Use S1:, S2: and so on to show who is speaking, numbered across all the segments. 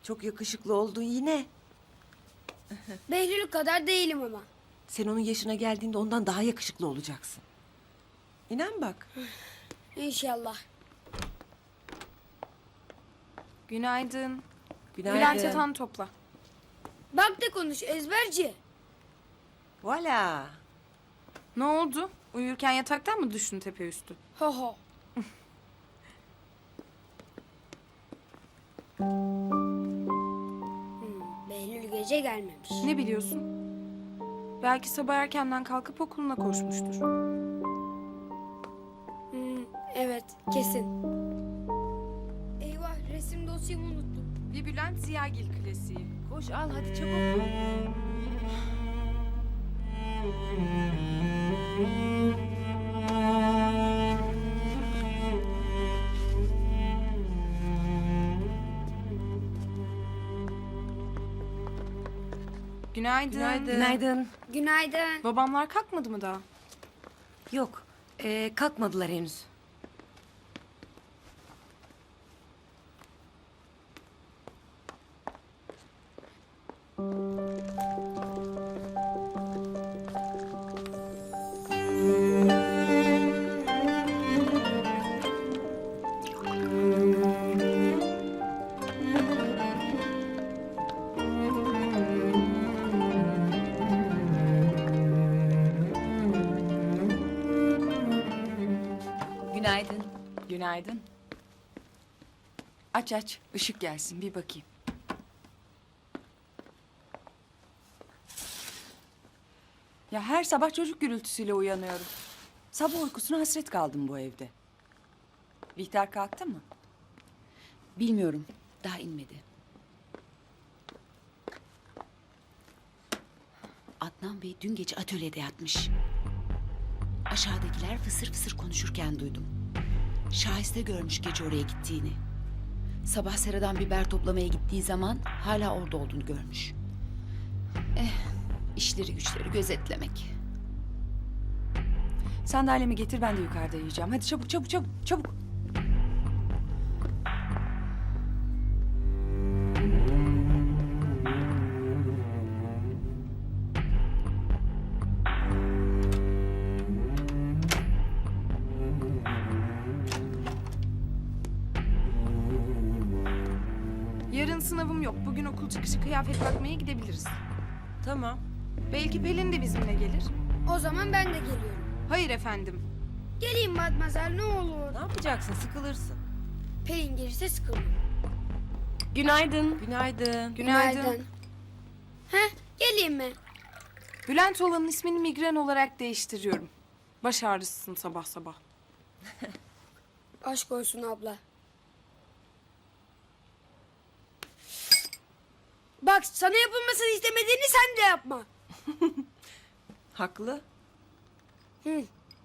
S1: Çok yakışıklı oldun yine.
S2: Behlül kadar değilim ama.
S1: Sen onun yaşına geldiğinde ondan daha yakışıklı olacaksın. İnan bak.
S2: İnşallah.
S3: Günaydın.
S1: Günaydın.
S3: Bülent yatağını topla.
S2: Bak da konuş ezberci.
S1: Voilà.
S3: Ne oldu? Uyurken yataktan mı düştün tepe üstü?
S2: Ho ho. Behlül gece gelmemiş.
S3: Ne biliyorsun? Belki sabah erkenden kalkıp okuluna koşmuştur.
S2: Evet kesin. Eyvah resim dosyamı unuttum.
S3: Bir Bülent Ziyagil klasiği.
S1: Koş al hadi çabuk.
S3: Günaydın.
S1: Günaydın.
S2: Günaydın.
S3: Babamlar kalkmadı mı daha?
S1: Yok. Kalkmadılar henüz.
S4: Günaydın. Günaydın. Aç aç, ışık gelsin bir bakayım. Ya her sabah çocuk gürültüsüyle uyanıyorum. Sabah uykusuna hasret kaldım bu evde. Bihter kalktı mı?
S5: Bilmiyorum. Daha inmedi. Adnan Bey dün gece atölyede yatmış. Aşağıdakiler fısır fısır konuşurken duydum. Şahiste görmüş gece oraya gittiğini. Sabah seradan biber toplamaya gittiği zaman hala orada olduğunu görmüş. İşleri güçleri gözetlemek.
S4: Sandalyemi getir, ben de yukarıda yiyeceğim. Hadi çabuk çabuk çabuk çabuk.
S3: Yarın sınavım yok. Bugün okul çıkışı kıyafet bakmaya gidebiliriz.
S1: Tamam.
S3: Belki Pelin de bizimle gelir.
S2: O zaman ben de geliyorum.
S3: Hayır efendim.
S2: Geleyim Matmazel ne olur.
S1: Ne yapacaksın? Sıkılırsın.
S2: Pelin gelirse sıkılmam.
S1: Günaydın. Günaydın.
S3: Günaydın.
S2: Heh geleyim mi?
S3: Bülent olanın ismini migren olarak değiştiriyorum. Baş ağrısısın sabah sabah.
S2: Aşk olsun abla. Bak sana yapılmasını istemediğini sen de yapma.
S1: Haklı.
S2: Hı.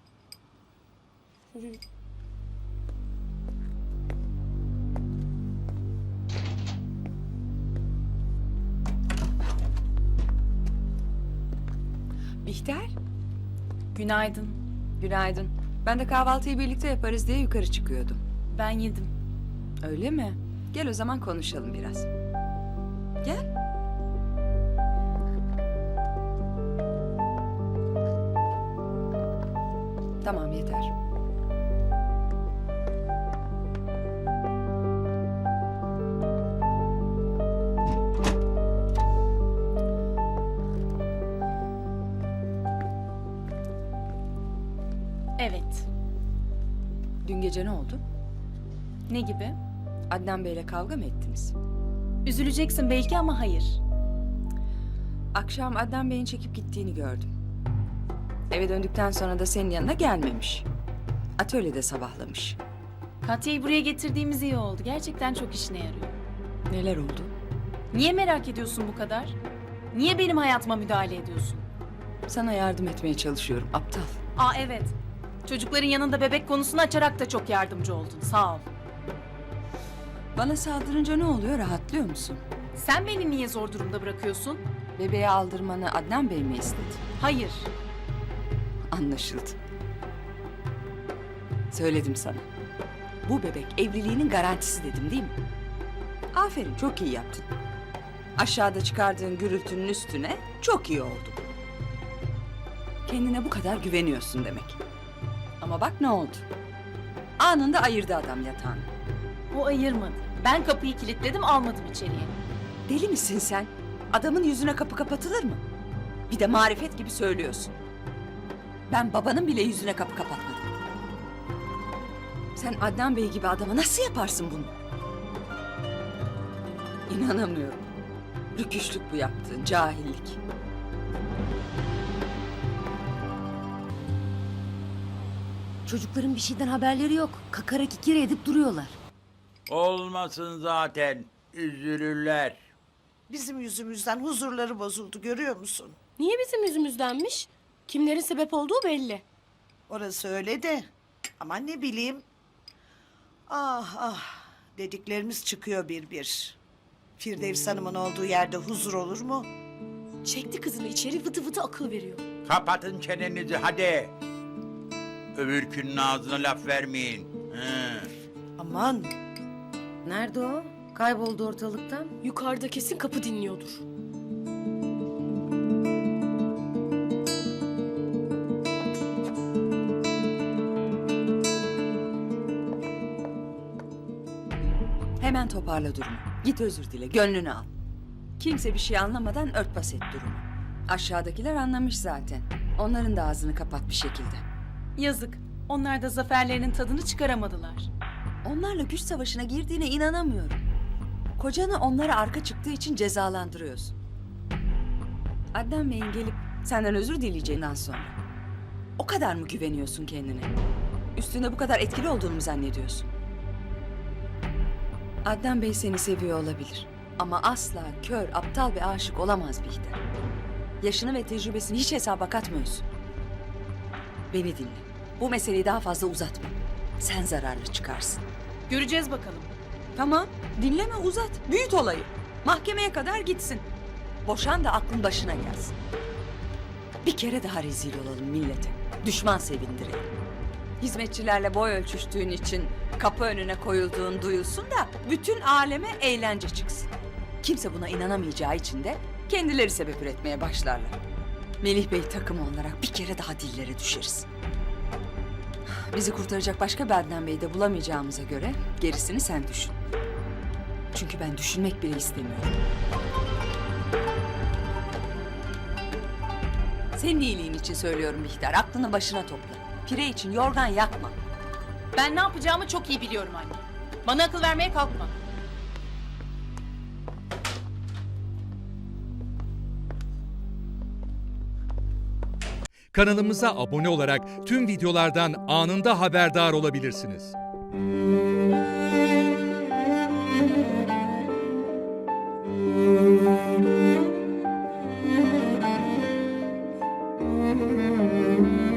S4: Bihter,
S5: Günaydın.
S4: günaydın. Ben de kahvaltıyı birlikte yaparız diye yukarı çıkıyordum.
S5: Ben yedim.
S4: Öyle mi? Gel o zaman konuşalım biraz. Gel. Tamam, yeter.
S5: Evet.
S4: Dün gece ne oldu?
S5: Ne gibi?
S4: Adnan Bey'le kavga mı ettiniz?
S5: Üzüleceksin belki ama hayır.
S4: Akşam Adnan Bey'in çekip gittiğini gördüm. Eve döndükten sonra da senin yanına gelmemiş. Atölyede sabahlamış.
S6: Katya'yı buraya getirdiğimiz iyi oldu. Gerçekten çok işine yarıyor.
S4: Neler oldu?
S6: Niye merak ediyorsun bu kadar? Niye benim hayatıma müdahale ediyorsun?
S4: Sana yardım etmeye çalışıyorum, aptal.
S6: Aa evet. Çocukların yanında bebek konusunu açarak da çok yardımcı oldun. Sağ ol.
S4: Bana saldırınca ne oluyor, rahatlıyor musun?
S6: Sen beni niye zor durumda bırakıyorsun?
S4: Bebeği aldırmanı Adnan Bey mi istedi?
S6: Hayır.
S4: Anlaşıldı. Söyledim sana. Bu bebek evliliğinin garantisi dedim değil mi? Aferin, çok iyi yaptın. Aşağıda çıkardığın gürültünün üstüne çok iyi oldu. Kendine bu kadar güveniyorsun demek. Ama bak ne oldu? Anında ayırdı adam yatağını.
S6: O ayırmadı. Ben kapıyı kilitledim, almadım içeriye.
S4: Deli misin sen? Adamın yüzüne kapı kapatılır mı? Bir de marifet gibi söylüyorsun. Ben babanın bile yüzüne kapı kapatmadım. Sen Adnan Bey gibi adama nasıl yaparsın bunu? İnanamıyorum. Rüküşlük bu yaptığın, cahillik.
S7: Çocukların bir şeyden haberleri yok. Kakara kikiri edip duruyorlar.
S8: Olmasın zaten. Üzülürler.
S9: Bizim yüzümüzden huzurları bozuldu, görüyor musun?
S2: Niye bizim yüzümüzdenmiş? Kimlerin sebep olduğu belli.
S9: Orası öyle de. Ama ne bileyim. Ah ah. Dediklerimiz çıkıyor bir bir. Firdevs Hanım'ın olduğu yerde huzur olur mu?
S2: Çekti kızını içeri vıtı vıtı akıl veriyor.
S8: Kapatın çenenizi hadi. Öbürkünün ağzına laf vermeyin. Hı.
S9: Aman.
S7: Nerede o? Kayboldu ortalıktan.
S2: Yukarıda kesin kapı dinliyordur.
S4: Hemen toparla durumu. Git özür dile, gönlünü al. Kimse bir şey anlamadan örtbas et durumu. Aşağıdakiler anlamış zaten. Onların da ağzını kapat bir şekilde.
S6: Yazık. Onlar da zaferlerinin tadını çıkaramadılar.
S4: Onlarla güç savaşına girdiğine inanamıyorum. Kocanı onlara arka çıktığı için cezalandırıyorsun. Adnan Bey'in gelip senden özür dileyeceğinden sonra o kadar mı güveniyorsun kendine? Üstünde bu kadar etkili olduğunu mu zannediyorsun? Adnan Bey seni seviyor olabilir. Ama asla kör, aptal ve aşık olamaz Bihter. Yaşını ve tecrübesini hiç hesaba katmıyorsun. Beni dinle. Bu meseleyi daha fazla uzatma. Sen zararlı çıkarsın.
S6: Göreceğiz bakalım.
S4: Tamam, dinleme uzat. Büyüt olayı. Mahkemeye kadar gitsin. Boşan da aklın başına gelsin. Bir kere daha rezil olalım millete. Düşman sevindirelim. Hizmetçilerle boy ölçüştüğün için kapı önüne koyulduğun duyulsun da bütün aleme eğlence çıksın. Kimse buna inanamayacağı için de kendileri sebep üretmeye başlarlar. Melih Bey takımı olarak bir kere daha dillere düşeriz. Bizi kurtaracak başka bir Adnan Bey'i de bulamayacağımıza göre gerisini sen düşün. Çünkü ben düşünmek bile istemiyorum. Senin iyiliğin için söylüyorum Bihter. Aklını başına topla. Pire için yorgan yakma.
S6: Ben ne yapacağımı çok iyi biliyorum anne. Bana akıl vermeye kalkma.
S10: Kanalımıza abone olarak tüm videolardan anında haberdar olabilirsiniz.
S7: Müzik